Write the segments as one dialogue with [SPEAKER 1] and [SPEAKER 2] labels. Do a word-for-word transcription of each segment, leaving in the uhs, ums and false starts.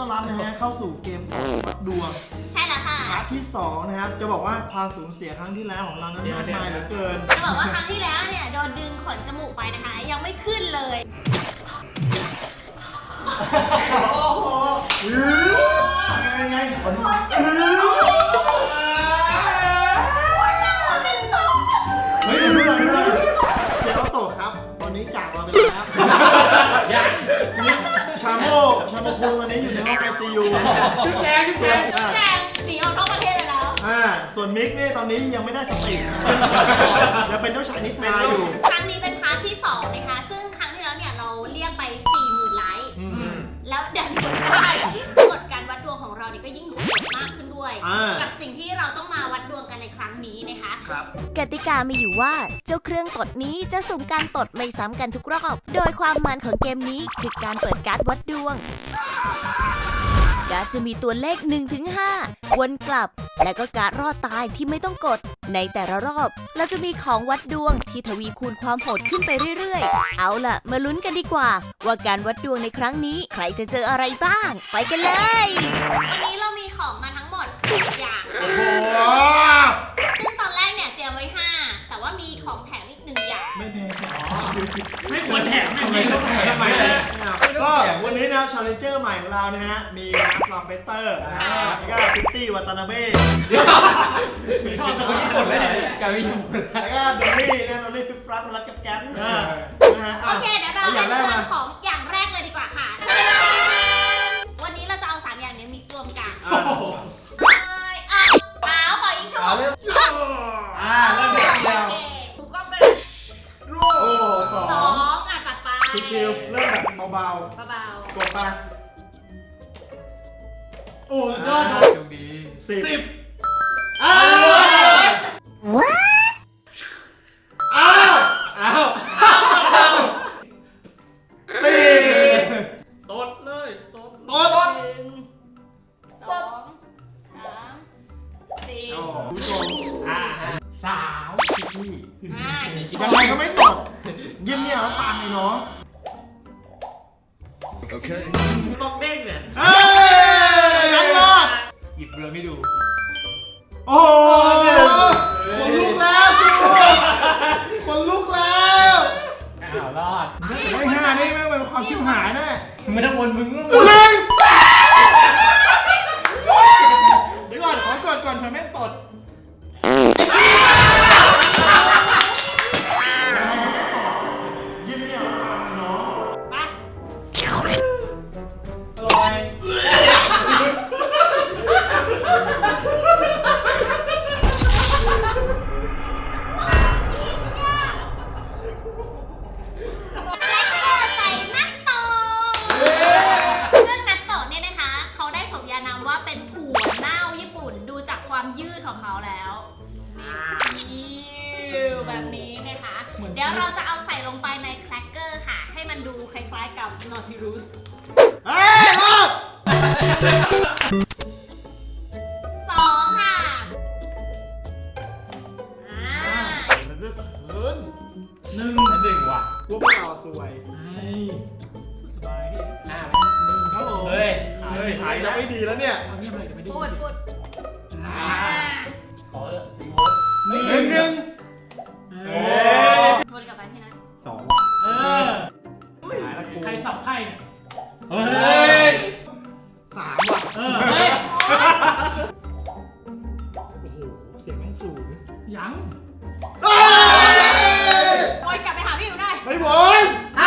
[SPEAKER 1] ต้อนรับนะฮะเข้าสู่เกมวัดดวง
[SPEAKER 2] ใช่แล้วค่ะ
[SPEAKER 1] พาร์ทที่สองนะครับจะบอกว่าความสูญเสียครั้งที่แล้วของเรานั้นมากมายเหลือเกิน
[SPEAKER 2] จะบอกว่าครั้งที่แล้วเนี่ยโดนดึงขนจมูกไปนะคะยังไม่ขึ้นเลย
[SPEAKER 1] โอ้โหยังไงขนมาเฮ้ยดูหน่อยดูหน่อยเดี๋ยวโตครับตอนนี้จากเราไปแล้วยังชาโมชาโมคุณวันนี้อยู่ในห้องไอซียู
[SPEAKER 3] ชุดแดงชุดแดง
[SPEAKER 2] ชุดแดงหนีออกนอกประเทศเลยแล้ว
[SPEAKER 1] อ่าส่วนมิกนี่ตอนนี้ยังไม่ได้สติยังเป็นเจ้าชายนิทราอยู่
[SPEAKER 2] ครั้งนี้เป็นพาร์ทที่สองนะคะซึ่งครั้งที่แล้วเนี่ยเราเรียกไปสี่หมื่นไลค์แล้วดันกดได้กฎการวัดดวงของเราเนี่ยก็ยิ่งโหดมากขึ้นด้วยกับสิ่งที่เราต้องมาวัดดวงกันในครั้งนี้นะคะ
[SPEAKER 4] กติกามีอยู่ว่าเจ้าเครื่องตดนี้จะสุ่มการตดไม่ซ้ำกันทุกรอบโดยความมันของเกมนี้คือการเปิดการ์ดวัดดวงการ์ดจะมีตัวเลข หนึ่งถึงห้า วนกลับและก็การ์ดรอดตายที่ไม่ต้องกดในแต่ละรอบเราจะมีของวัดดวงที่ทวีคูณความโหดขึ้นไปเรื่อยๆเอาล่ะมาลุ้นกันดีกว่าว่าการวัดดวงในครั้งนี้ใครจะเจออะไรบ้างไปกันเลย
[SPEAKER 2] วันนี้เรามีของมาทั้งหมดหกอย่างซึ่งตอนแรกเนี่ยเตรียมไว้ห้าแต่ว่ามีของแถมอีกหนึ่งอย่าง
[SPEAKER 1] ไม่แพง
[SPEAKER 3] ไม่ควรแถมไม่ต้องแถมทำไม
[SPEAKER 1] ก็วันนี้นะครับ Challenger ใหม่ของเรานะฮะมีนักลาเฟเตอร์แล้วก็พิตตี้วัตนาเบ้
[SPEAKER 3] ชอบตัวญี่ปุ่นเลยการไม่ญี่ปุ่น
[SPEAKER 1] แล้วก็ดอลลี่นะดอลลี่ฟิฟฟับมาแล้วกับแก๊ป
[SPEAKER 2] นะฮะโอเคเดี๋ยวเราเริ่มเชิญของอย่างแรกเลยดีกว่าค่ะวันนี้เราจะเอาสามอย่างนี้มีรวมกันอ้าวอ้าวปล่อยยิงฉุบ
[SPEAKER 1] อ่าเริ่มเดียว
[SPEAKER 2] ถูกก็เป็น
[SPEAKER 1] โอ้สอง
[SPEAKER 2] สองอ่ะจัดไป
[SPEAKER 1] ชิวๆเริ่มแบบเบาๆ
[SPEAKER 2] เบา
[SPEAKER 1] ๆกดไป
[SPEAKER 3] โอ้ยอดโชคดี
[SPEAKER 1] สิบ
[SPEAKER 3] อ้าว
[SPEAKER 1] อ้าว
[SPEAKER 3] อ้าว
[SPEAKER 1] สี่
[SPEAKER 3] ตดเลยตด
[SPEAKER 1] ตด
[SPEAKER 2] หนึ่งสองสามสี่
[SPEAKER 1] ผู้ชม
[SPEAKER 3] อ่าสาว
[SPEAKER 1] พี่
[SPEAKER 2] อ่า
[SPEAKER 1] ยังไงก็ไม่ตดเยี่ยมเนี่ยแล้วตามไอ้น้อง
[SPEAKER 3] โอเคต้องเด้งเนี่ย
[SPEAKER 1] เฮ้ยนักรอด
[SPEAKER 3] หยิบเรือให้ดู
[SPEAKER 1] โอ้โหคนลุกแล้วคนลุกแล้ว
[SPEAKER 3] อ้าวรอด
[SPEAKER 1] ไอ้ห่านี่แม่งเป็นความชิบหายแน่
[SPEAKER 3] ไม่ต้องวนมึง
[SPEAKER 1] เล่นเดี๋ยวก่อนขอกดก่อนเธอแม่งตดยิ้มเนี่ยน้อง
[SPEAKER 2] ไป
[SPEAKER 3] อร่อย
[SPEAKER 2] ยืดของเขาแล้วแบบนี้นะคะเดี๋ยวเราจะเอาใส่ลงไปในแครกเกอร์ค่ะให้มันดูคล้ายๆกับนอติรุส
[SPEAKER 1] เฮ้ยรอด
[SPEAKER 2] สองค่ะอ่า
[SPEAKER 1] เลือดเหิน
[SPEAKER 3] หนึ่งหนึ่งว่ะ
[SPEAKER 1] พวกเราสวย
[SPEAKER 3] สบายพี่ห้า
[SPEAKER 1] หนึ่งครับผม
[SPEAKER 3] เฮ้ย
[SPEAKER 1] เฮ้ยหายจะไม่ดีแล้วเนี่ย
[SPEAKER 3] เอาเงียบเลยเดี๋ยวไม่ดี
[SPEAKER 2] พูดพูด
[SPEAKER 3] ขอเออหนึ่งหนึ่งหนึ่ง
[SPEAKER 2] วนกลับไปที่นั้น
[SPEAKER 1] สอง
[SPEAKER 3] เออใครสับไพ่เนี่ย
[SPEAKER 1] เฮ้ยสามว่ะ
[SPEAKER 3] เออเฮ้ย
[SPEAKER 1] โอ้โหเสียงแม่งสูง
[SPEAKER 3] ยัง
[SPEAKER 2] วนกลับไปหาพี่อยู่ได้
[SPEAKER 1] ไม่วน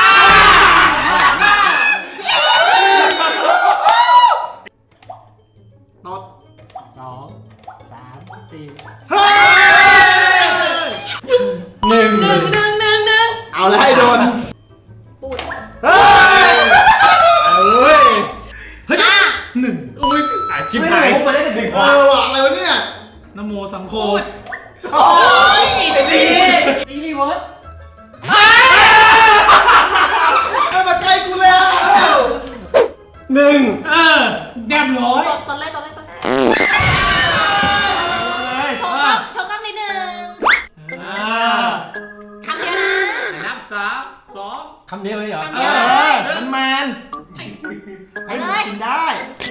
[SPEAKER 1] ตด
[SPEAKER 3] สองสามสี่
[SPEAKER 1] เฮ้ย
[SPEAKER 3] หนึ่ง
[SPEAKER 2] หนึ่งหนึ่งหนึ่งหนึ่ง
[SPEAKER 1] เอาเลยให้โดน
[SPEAKER 2] ปูด
[SPEAKER 1] เฮ้ยเฮ้ย
[SPEAKER 3] เฮ้ยหนึ่งอุ้ยอาชิบหายมาได้แต่หนึ่ง
[SPEAKER 1] เออว่ะอะไรวะเนี่ย
[SPEAKER 3] นโมสังโฆ
[SPEAKER 1] โอ้ย
[SPEAKER 3] ดีดีรีเวิร์ส
[SPEAKER 1] เข้ามาใกล้กูแล้วหนึ่ง
[SPEAKER 3] เออเรียบร้อย
[SPEAKER 2] ตอนแรกตอนแรกตอนแรกโชว์กล้องโชว์กล้องนิดนึงคำเดียวนะ
[SPEAKER 3] นับสามสองคำเดียวเลยเหรอ
[SPEAKER 1] มันแมนให้มันกินได้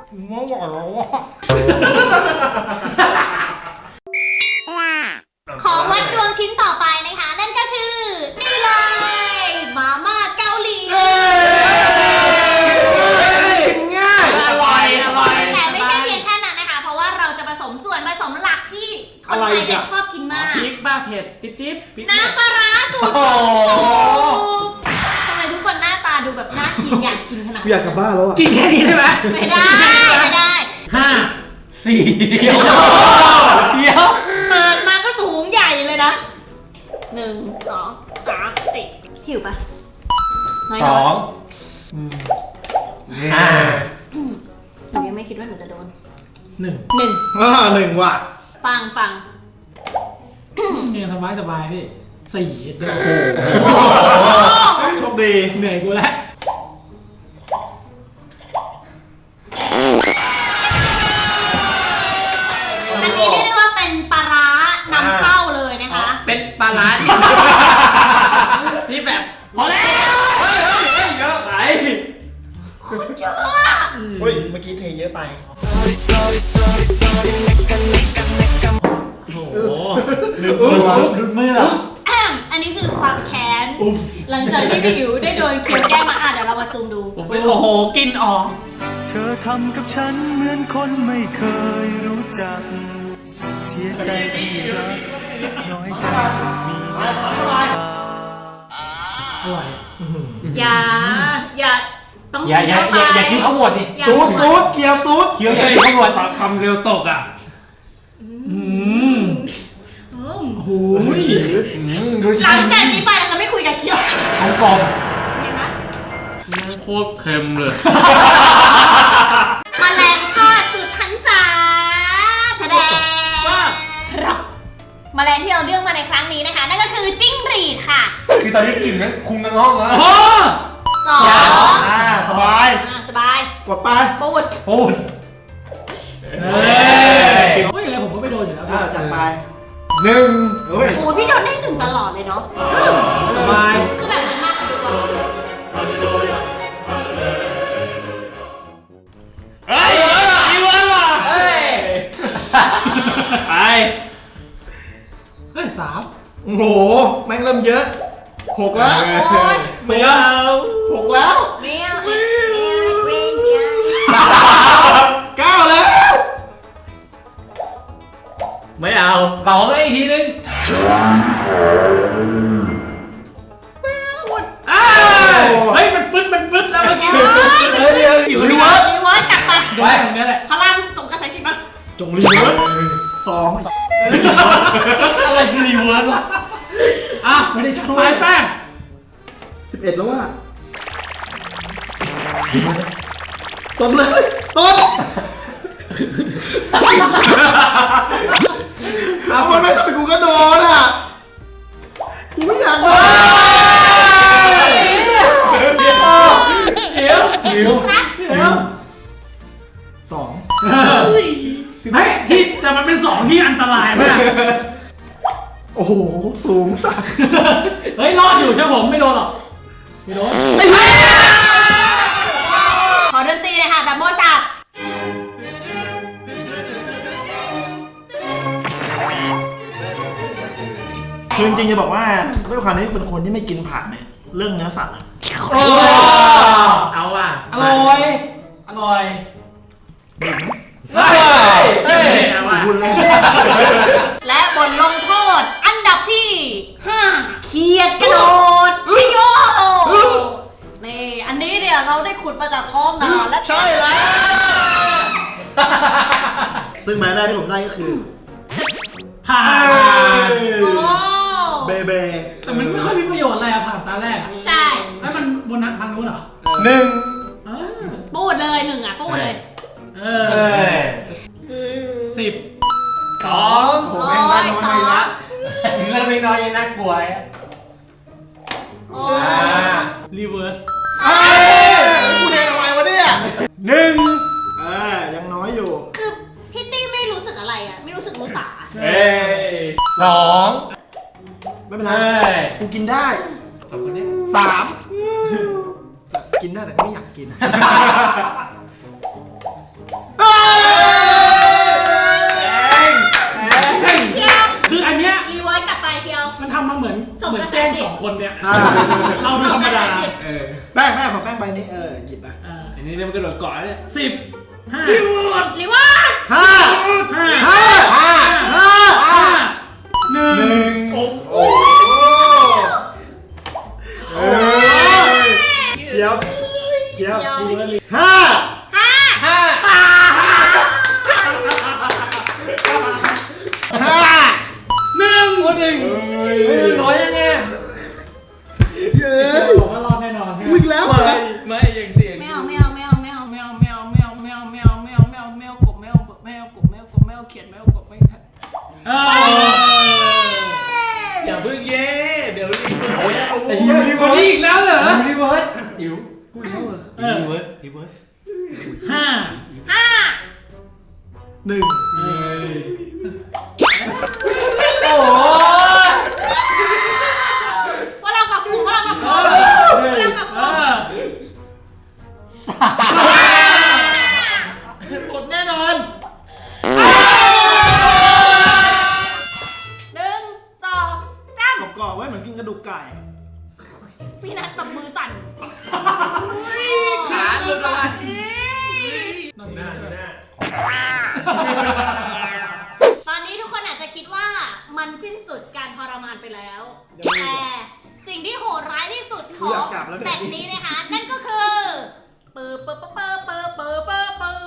[SPEAKER 3] ไม่ไหวแล้วอ่ะ
[SPEAKER 2] ของวัดดวงชิ้นต่อไปนะคะ นั่นก็คือนี่เลยมาม่าเกาหลี
[SPEAKER 1] กินง่าย
[SPEAKER 3] อร่อยอร่อย
[SPEAKER 2] แต่ไม่ใช่เพียงแค่นั้นนะคะ เพราะว่าเราจะผสมส่วนผสมหลักที่คนไทยเนี่ยชอบกินมาก
[SPEAKER 3] พริกบ้าเผ็ดจิ๊บจิ๊บพริก
[SPEAKER 2] น้ำปลาร้าสูตรทำไมทุกคนหน้าตาดูแบบน่ากินอยากกินขนาด
[SPEAKER 1] อยากกลับบ้านแล้วอ่ะ
[SPEAKER 3] กินแค่นี้ได้ไหม
[SPEAKER 2] ไม่ได้ไม่ได้
[SPEAKER 3] ห้าสี่เดี๋ยวเดี๋ยว
[SPEAKER 2] เปิดมาก็สูงใหญ่เลยนะหนึ่งสองสามสี่หิวปะน้อย
[SPEAKER 3] สองห้า
[SPEAKER 2] หนูยังไม่คิดว่าหนูจะโดน
[SPEAKER 3] หนึ่ง
[SPEAKER 2] หนึ่ง
[SPEAKER 1] อ่าหนึ่งว่ะ
[SPEAKER 2] ฟังฟัง
[SPEAKER 3] ยังสบายสบายพี่สี่เดี๋ยว
[SPEAKER 1] โชคดี
[SPEAKER 3] เหนื่อยกูแล้ว
[SPEAKER 2] อันนี้เรียกได้ว่าเป็นปลาร้านำเข้าเลยนะคะ
[SPEAKER 3] เป็นปลาร้าที่ที่แบบพอแล้วเฮ้ยเฮ้ยเฮ้ยเยอะไป
[SPEAKER 2] คุณเยอะอะ
[SPEAKER 1] เฮ้ย เมื่อกี้เทเยอะไป โอ้โหลืมตัวลืมมือเหรอ
[SPEAKER 2] แอมอันนี้คือความแค้น หลังจากที่พี่หิวได้โดนเคียวแกล้งมาอ่ะเดี๋ยวเรามาซูมดู
[SPEAKER 3] โอ้โหกินออก
[SPEAKER 5] เธอทำกับฉันเหมือนคนไม่เคยรู้จัก เสียใจที่รัก น้อยใจจนมีน้ำตา
[SPEAKER 3] อร่อย
[SPEAKER 2] อย่า อย่า ต้อง
[SPEAKER 3] อย่าอย่าอย่าอย่าคิดเขาหมดดิ
[SPEAKER 2] อย่า
[SPEAKER 1] ซูดซูดเกียร์ซูด
[SPEAKER 3] เคี้ยวอย่าคิดเขาหมดคำเร็วตกอ่ะอืม
[SPEAKER 2] อืม
[SPEAKER 3] โอ้ยดู
[SPEAKER 2] หลังจากนี้ไปเราจะไม่คุยกับเคียว
[SPEAKER 3] ของกลม
[SPEAKER 2] เห็นไหม
[SPEAKER 3] โคตรเค็มเลย
[SPEAKER 2] แมลงทอดสุดหันษาทะแดงครับแมลงที่เราเลือกมาในครั้งนี้นะคะ นั่นก็คือจิ้งหรีดค่ะ
[SPEAKER 3] คือตอนนี้กลิ่นนั้นคุมทั้งห้องแล้ว
[SPEAKER 2] สอง
[SPEAKER 1] อ่า สบาย
[SPEAKER 2] อ่าสบาย
[SPEAKER 1] กดไป
[SPEAKER 2] ปูด
[SPEAKER 3] ปูน
[SPEAKER 6] เฮ้ยเฮ้ยอะไรผมก็ไม่โดนอยู่แล้ว
[SPEAKER 1] อ่า จัดไป
[SPEAKER 3] หนึ่ง
[SPEAKER 1] เฮ้ย
[SPEAKER 2] โอ้ยพี่โดนได้หนึ่งตลอดเลยเนาะ
[SPEAKER 6] สบาย
[SPEAKER 2] คือแบบเหมือนมากกว่าดวง
[SPEAKER 3] เฮ้ยอีเวนต์ว่ะเฮ้ยไป
[SPEAKER 6] เฮ้ยสาม
[SPEAKER 1] โอ้โห แม่งเริ่มเยอะหกแล้ว
[SPEAKER 2] โอ้ย
[SPEAKER 1] ไม่เอาหกแล้ว
[SPEAKER 2] เมียวเอ็กเมียวเอ็กเรนจ้า
[SPEAKER 1] เก้าแล้ว
[SPEAKER 3] ไม่เอาสองเลยอีกทีนึง
[SPEAKER 6] อ้าวเฮ้ยมันปึ๊ดมันปึ๊ดแล้วเมื่อกี้
[SPEAKER 3] เดี๋ยวเดี๋ยวอยู่
[SPEAKER 2] รี
[SPEAKER 3] ที่
[SPEAKER 2] เวิ
[SPEAKER 3] วั
[SPEAKER 2] ร์
[SPEAKER 3] ด
[SPEAKER 2] สรีเวิร์สกลับไป
[SPEAKER 6] โดนตรงนี้แหละ
[SPEAKER 2] พลังส่งกระแสจิตมา
[SPEAKER 1] จงรีเวิร์สสอง
[SPEAKER 3] อะไรคือรีเวิร์สวะ
[SPEAKER 6] อ่ะไม่ได้ชัดไปแป้ง
[SPEAKER 1] สิบเอ็ดแล้วว่ะตบเลยตบเอามันไม่ตบกูก็โดนอ่ะ กูไม่อยากโดน
[SPEAKER 6] เดี๋ยว
[SPEAKER 3] หิว
[SPEAKER 2] นะ
[SPEAKER 6] เดี๋ยว
[SPEAKER 1] สอง
[SPEAKER 6] เฮ้ยที่แต่มันเป็นสองที่อันตรายมาก
[SPEAKER 1] โอ้โห สูงสัส
[SPEAKER 6] เฮ้ยรอดอยู่ใช่ผมไม่โดนหรอกไม่โดน
[SPEAKER 2] ขอดนตรีเลยค่ะแบบโมซาร์ท
[SPEAKER 1] คือจริงๆจะบอกว่าด้วยความที่เป็นคนที่ไม่กินผักเนี่ย เรื่องเนื้อสัตว์อะ
[SPEAKER 3] เอาว่ะ
[SPEAKER 6] อร่อยอร่อย
[SPEAKER 3] เฮ้ยเฮ้ยเอาว่ะ
[SPEAKER 1] คุณเลย
[SPEAKER 2] และบทลงโทษ อันดับที่ห้าเขียดกระโดดพิโยนี่อันนี้เนี่ยเราได้ขุดมาจากท้องนาและ
[SPEAKER 1] ใช่แล้ว ซึ่งหมายแรกที่ผมได้ก็คือ
[SPEAKER 6] ผ่าน
[SPEAKER 2] โอ้
[SPEAKER 1] เบเบ
[SPEAKER 6] แต่มันไม่ค่อยมีประโยชน์อะไรอะผ่านตาแรกอะ
[SPEAKER 2] ใช่
[SPEAKER 6] แล้วมันบนนั้นพันนู้นเหรอ
[SPEAKER 1] หนึ่ง
[SPEAKER 6] เออ
[SPEAKER 2] พูดเลยหนึ่งอ่ะพูดเลย
[SPEAKER 6] เอ
[SPEAKER 3] เฮ้
[SPEAKER 6] อย สิบ
[SPEAKER 3] สอง
[SPEAKER 1] โอ้โหแม่งได้น้อยละ
[SPEAKER 3] เริ่มไม่น้อยยังน่ากลัวอ่ะ
[SPEAKER 2] โอ้
[SPEAKER 3] อ่า
[SPEAKER 6] รีเวิร์ส
[SPEAKER 1] เอ้ยกูเดนทำไมวะเนี่ยหนึ่งเออยังน้อยอยู่
[SPEAKER 2] คือพี่ตี้ไม่รู้สึกอะไรอ่ะ ไม่รู้สึกรู้สา
[SPEAKER 3] เฮ้ยสอง
[SPEAKER 1] ไม่เป็นไร
[SPEAKER 3] เฮ้ย
[SPEAKER 1] กูกินได้
[SPEAKER 3] ขอบคุณเนี่ย
[SPEAKER 1] สามกินได้แต่ก็ไม่อยากกินอ่า
[SPEAKER 6] เราดูธรรมดา
[SPEAKER 3] เออ
[SPEAKER 1] แป้งแป้งของแป้งใบนี้เออหยิบมา
[SPEAKER 6] อ่า
[SPEAKER 3] อันนี้เนี่ยมันกระโดดเกาะเนี่ย
[SPEAKER 6] สิบห้า
[SPEAKER 2] หรือว่า
[SPEAKER 1] ห้า
[SPEAKER 6] ห้า
[SPEAKER 1] ห้า
[SPEAKER 3] ห้า
[SPEAKER 1] ห้า
[SPEAKER 6] ห้าหนึ่ง
[SPEAKER 3] โอ้โห
[SPEAKER 1] เออเดี๋ยวเดี๋ยว
[SPEAKER 6] ดูแลว
[SPEAKER 1] ห้า
[SPEAKER 2] ห้า
[SPEAKER 3] ห้า
[SPEAKER 1] ห้า
[SPEAKER 6] หนึ่ง
[SPEAKER 3] โอ้หนึ่งเฮ้ยน้อยยังไง
[SPEAKER 1] เย้
[SPEAKER 6] บอกว่ารอดแน่นอน
[SPEAKER 1] วิ่งแล้วเหรอ
[SPEAKER 3] ไม่ยังเสียง
[SPEAKER 2] ไม่เอาไม่เอาไม่เอาไม่เอา
[SPEAKER 6] แมวแมวแมวแมวแมวแมวแมวแมวกบแมวแมวกบแมวกบแมวเขียนแมวกบไม่เออ
[SPEAKER 3] อย่าเพิ่งเย่เดี๋ยวรีบ
[SPEAKER 1] โอ้ย
[SPEAKER 3] ไอ้เหี้ยรีเวิร์สอีกแล้วเหรอรีเวิร์สอิ๋ว
[SPEAKER 6] เออ
[SPEAKER 1] รีเวิร์สรีเวิร์ส
[SPEAKER 6] ห้า
[SPEAKER 2] ห้า
[SPEAKER 1] หนึ่ง
[SPEAKER 3] โอ้โห
[SPEAKER 2] ว่าเรากับกลุ่มว่าเรากับกลุ่ม
[SPEAKER 6] เอ
[SPEAKER 2] ว่าเรากับกลุ่ม
[SPEAKER 1] กดแน่นอน
[SPEAKER 2] หนึ่งสองสาม
[SPEAKER 1] กรอบๆไว้เหมือนกินกระดูกไก่
[SPEAKER 2] พี่นัทแบบมือสั่น
[SPEAKER 3] ขาหลุดออกมา
[SPEAKER 6] หน้าหน้า
[SPEAKER 2] ตอนนี้ทุกคนอาจจะคิดว่ามันสิ้นสุดการทรมานไปแล้ว แต่สิ่งที่โหดร้ายที่สุดของแบบนี้นะคะ นั่นก็คือปื๊บปื๊บปื๊บปื๊บปื๊บปื๊บปื๊บ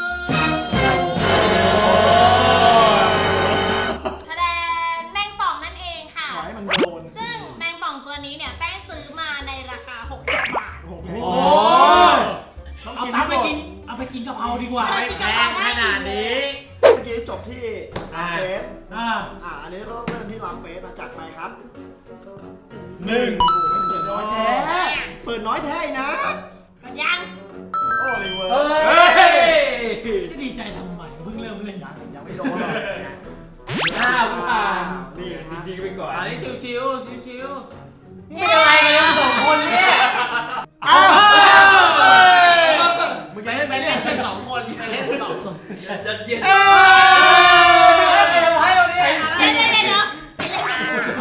[SPEAKER 2] แสดงแมงป่องนั่นเองค่ะ
[SPEAKER 1] ขอให้มันโดน
[SPEAKER 2] ซึ่งแมงป่องตัวนี้เนี่ยแป้งซื้อมาในราคาหกสิบบาท
[SPEAKER 1] โอ้โห
[SPEAKER 6] โอ้
[SPEAKER 1] ต้อง
[SPEAKER 6] เอา
[SPEAKER 1] กิน
[SPEAKER 6] ตั
[SPEAKER 1] ให้
[SPEAKER 6] งค์
[SPEAKER 1] ห
[SPEAKER 6] ไป
[SPEAKER 1] มด
[SPEAKER 6] กินเอาไปกินกะเพราดีกว่า
[SPEAKER 3] ไม่แพงขนาดนี้
[SPEAKER 1] เมื่อกี้จบที่ลาเฟส
[SPEAKER 6] อ่า
[SPEAKER 1] อ่าอันนี้ก็ต้องเริ่มที่ลาเฟสมาจัดไปครับหนึ่งโอ้โหเปิดน้อยแท้เปิดน้อยแท้อีกนะ
[SPEAKER 2] ยัง
[SPEAKER 1] โอ้ลิเวอร์
[SPEAKER 3] เฮ้ย
[SPEAKER 6] จะดีใจทำไมเพิ่งเริ่มเล่น
[SPEAKER 1] ยังยังไม่โดนหรอก
[SPEAKER 3] ห้าผ่าน
[SPEAKER 1] นี่นะฮะ
[SPEAKER 3] จริงๆไปก่อน
[SPEAKER 7] อันนี้ชิวชิวชิวชิว
[SPEAKER 3] ไม่อะไรกันสองคนเนี่ย
[SPEAKER 1] อ้าว
[SPEAKER 7] มึงจะเล่นไปเล่นกันสองคนไปเล่นกันสองคน
[SPEAKER 3] จัดเย็น
[SPEAKER 1] เอ้ย
[SPEAKER 3] ไปทำไมเอาเนี่ย
[SPEAKER 2] เล่นเล่นเล่นเนาะไปเล่นกัน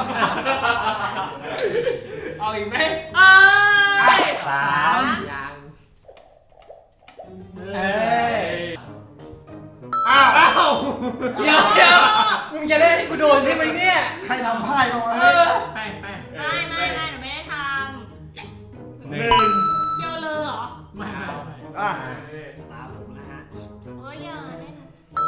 [SPEAKER 3] เอาอีกไหม
[SPEAKER 7] สามยัง
[SPEAKER 3] เอ้ย
[SPEAKER 1] อ้าว
[SPEAKER 3] อ้าวเดี๋ยวเดี๋ยวมึงจะเล่นให้กูโดนใช่ไหมเนี่ย
[SPEAKER 1] ใครทำพ่ายมาวะ
[SPEAKER 3] เออ
[SPEAKER 6] แป้งแป้ง
[SPEAKER 2] ไม่ไม่ไม่หนูไม่ได้ท
[SPEAKER 1] หนึ่ง
[SPEAKER 2] ำเที่ยวเลยเหรอ
[SPEAKER 6] ไม่เอา
[SPEAKER 1] อ่ะ
[SPEAKER 7] ตามผมนะฮะ
[SPEAKER 2] เฮ้ยอย่าเล่น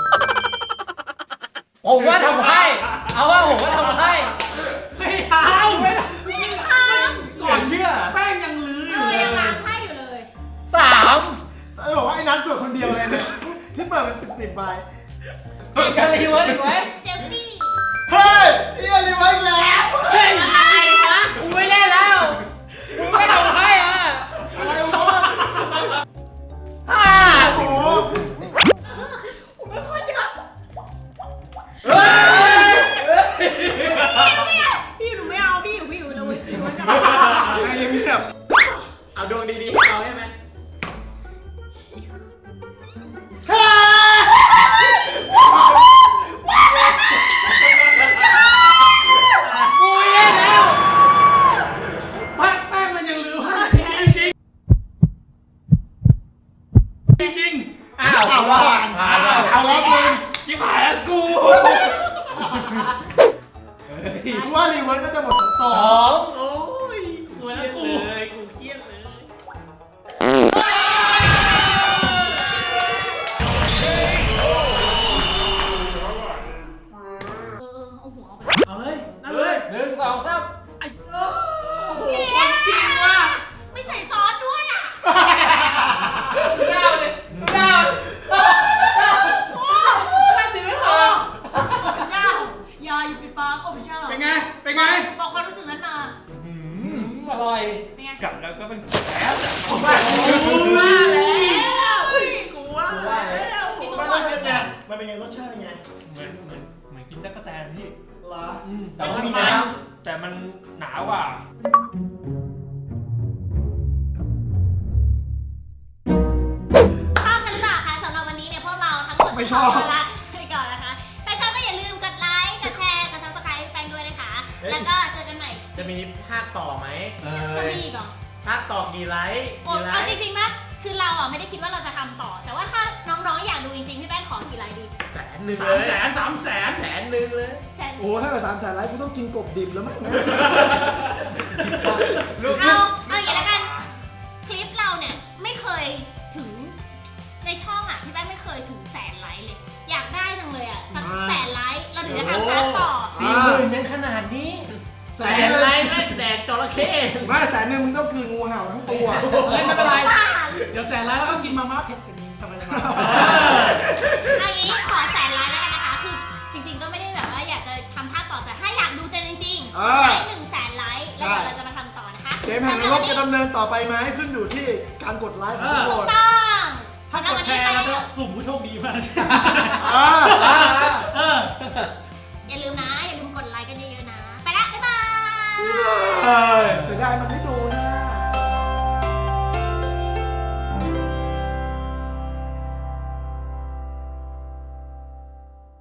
[SPEAKER 3] ผมว่าทำให้ เอาว่าผมว่าทำให้
[SPEAKER 6] ไม่เอา
[SPEAKER 3] ไม่ได้
[SPEAKER 2] ไม่ได้ท
[SPEAKER 3] ก่อนเชื่อ
[SPEAKER 6] แป้งยังลือ
[SPEAKER 2] ำ
[SPEAKER 6] อ
[SPEAKER 2] เอยู่ อ
[SPEAKER 6] เล
[SPEAKER 2] ยัง
[SPEAKER 6] ย
[SPEAKER 2] ล้างไพ่อยู่เลย
[SPEAKER 3] สาม
[SPEAKER 1] ไอ้บอกว่าไอ้นัทตรวจคนเดียวเลยเนี่ยที่เปิดเป็นสิบสิบใบ
[SPEAKER 3] มีการรีเวิร์สอีกไหม
[SPEAKER 2] เซลฟี่
[SPEAKER 1] เฮ้ยเอียรีไว้อีกแล้ว
[SPEAKER 3] เฮ้ยอะไรวะกูไม่เล่นแล้วกูไม่ทำให้อ่ะ
[SPEAKER 1] อะไรวะ
[SPEAKER 3] ห้า
[SPEAKER 1] โอ้โห
[SPEAKER 2] ผมไม่ค่อยจะ
[SPEAKER 3] เฮ้ย
[SPEAKER 2] พี่หนูไม่เอาพี่หนูพี่หนูเลยพี่หนูจะ
[SPEAKER 1] ไอ้เงียบ
[SPEAKER 7] เอาดวงดีๆให้เราใช่ไหม
[SPEAKER 1] เฮ้ย
[SPEAKER 3] กูไม่เล่นแล้ว
[SPEAKER 6] แป้งแป้งมันยังลือพลาดจริงจริงจริงจริง
[SPEAKER 3] อ้าวเอาว่าผ่านแล้ว
[SPEAKER 1] เอาแล้วมึง
[SPEAKER 3] ชิบหายแล้วกู
[SPEAKER 1] กูว่ารีเวิร์สน่าจะหมดส
[SPEAKER 3] ส
[SPEAKER 1] อ
[SPEAKER 3] อง ง
[SPEAKER 7] โอ้ย
[SPEAKER 6] สวยแล้วกู
[SPEAKER 7] เลยกูเครียดเลย
[SPEAKER 2] เออเอาหัวเอาไป
[SPEAKER 6] เอาเลยนั่นเลย
[SPEAKER 3] หนึ่งสองสาม
[SPEAKER 6] ไอ้
[SPEAKER 2] พี่เนี่ยไม่ใส่ซอสด้วยอ่ะ
[SPEAKER 3] ดูดาวเลยดูดาวโอ้แค่ติดไม่พอ
[SPEAKER 2] พระเจ้าอย่าอยู่ปิดปากโอ้พระเจ้า
[SPEAKER 6] เป็นไงเป็นไง
[SPEAKER 2] บอกความรู้สึกนั้นมา
[SPEAKER 3] อร่อย
[SPEAKER 2] เป็นไง
[SPEAKER 3] กลับแล้วก็เป็นแล้ว
[SPEAKER 7] กูว่าแล้ว กูว่าแล้ว
[SPEAKER 2] พี่
[SPEAKER 1] มั
[SPEAKER 2] ตัวน ก่อน
[SPEAKER 1] เป็นไงมันเป็นไงรสชาติเป็นไง
[SPEAKER 3] เหมือนเหมือนเหมือนกินตะกั่วแตนพี่
[SPEAKER 1] เหรอ
[SPEAKER 3] แต่มันมีน้ำแต่มันหนากว่า
[SPEAKER 2] ชอบกันหรือเปล่าคะสำหรับวันนี้เนี่ยพวกเราทั้งหมด
[SPEAKER 1] ไม่ชอบ
[SPEAKER 2] ขตัวลาไปก่อนนะคะถ้าชอบก็อย่าลืมกดไลค์กดแชร์กด ซับสไครบ์ แฟนด้วยนะคะ แล้วก็เจอกันใหม่
[SPEAKER 7] จะ
[SPEAKER 3] จะมีภาคต่อไหม
[SPEAKER 2] จะมีอีกเหรอ
[SPEAKER 3] ภาคต่อกี่ไลค์
[SPEAKER 2] โอ้
[SPEAKER 3] กี่ไล
[SPEAKER 2] เอา
[SPEAKER 3] ค์
[SPEAKER 2] จริงๆนะคือเราอ่ะไม่ได้คิดว่าเราจะทำต่อ แต่ว่าถ้าน้องๆอยากดูจริงๆพี่แป้งขอกี่ไลค์ดี
[SPEAKER 3] แสนหนึ่ง
[SPEAKER 6] สา
[SPEAKER 3] เล
[SPEAKER 6] ม
[SPEAKER 3] ย
[SPEAKER 6] แสนสามแสน
[SPEAKER 3] แสนหนึ่งเลย
[SPEAKER 2] แสน
[SPEAKER 1] โอ้ถ้าเกิดสามแสนไลค์กูต้องกินกบดิบแล้วมั้งนะ
[SPEAKER 2] เอาเอาอย่างนี้แล้วกัน คลิปเราเนี่ยไม่เคยถึงในช่องอ่ะพี่แป้งไม่เคยถึงแสนไลค์เลย อยากได้จังเลยอ่ะสักแสนไลค์เราถึงจะทำพาร์ทต่อ
[SPEAKER 3] สี่หมื่นยังขนาดนี้แสนไลค์แม่งแดกจระเข้
[SPEAKER 1] ไม่แสนหนึ่งมึงต้องคืนงูเห่าทั้งตัว
[SPEAKER 6] เฮ้ยไม่เป็นไร
[SPEAKER 2] บ้า
[SPEAKER 6] เดี๋ยวแสนแล้วแล้วก็กินมาม่าเผ็ดกันสบาย
[SPEAKER 2] อันนี้ขอแสนไลค์แล้วกันนะคะ คือจริงๆก็ไม่ได้แบบว่าอยากจะทำภาคต่อแต่ถ้าอยากดูจริงจริงๆ
[SPEAKER 1] เออ
[SPEAKER 2] ไลค์หนึ่งแสนไลค์แล้วเดี๋ยวเราจะมาทำต่อนะคะ
[SPEAKER 1] เกมแห่งนรกจะดำเนินต่อไปไหมขึ้นอยู่ที่การกดไลค์ของทุกคน
[SPEAKER 2] ต้อง
[SPEAKER 6] ๆถ้ากดแชร์แล้วก็กลุ่มผู้โชคดีมาก
[SPEAKER 1] อ่า
[SPEAKER 6] เออ
[SPEAKER 2] อย่าลืมนะ อย่าลืมกดไลค์กันเยอะๆนะ ไปละบ๊ายบาย
[SPEAKER 1] เอ้ยเสียดายมันไม่โด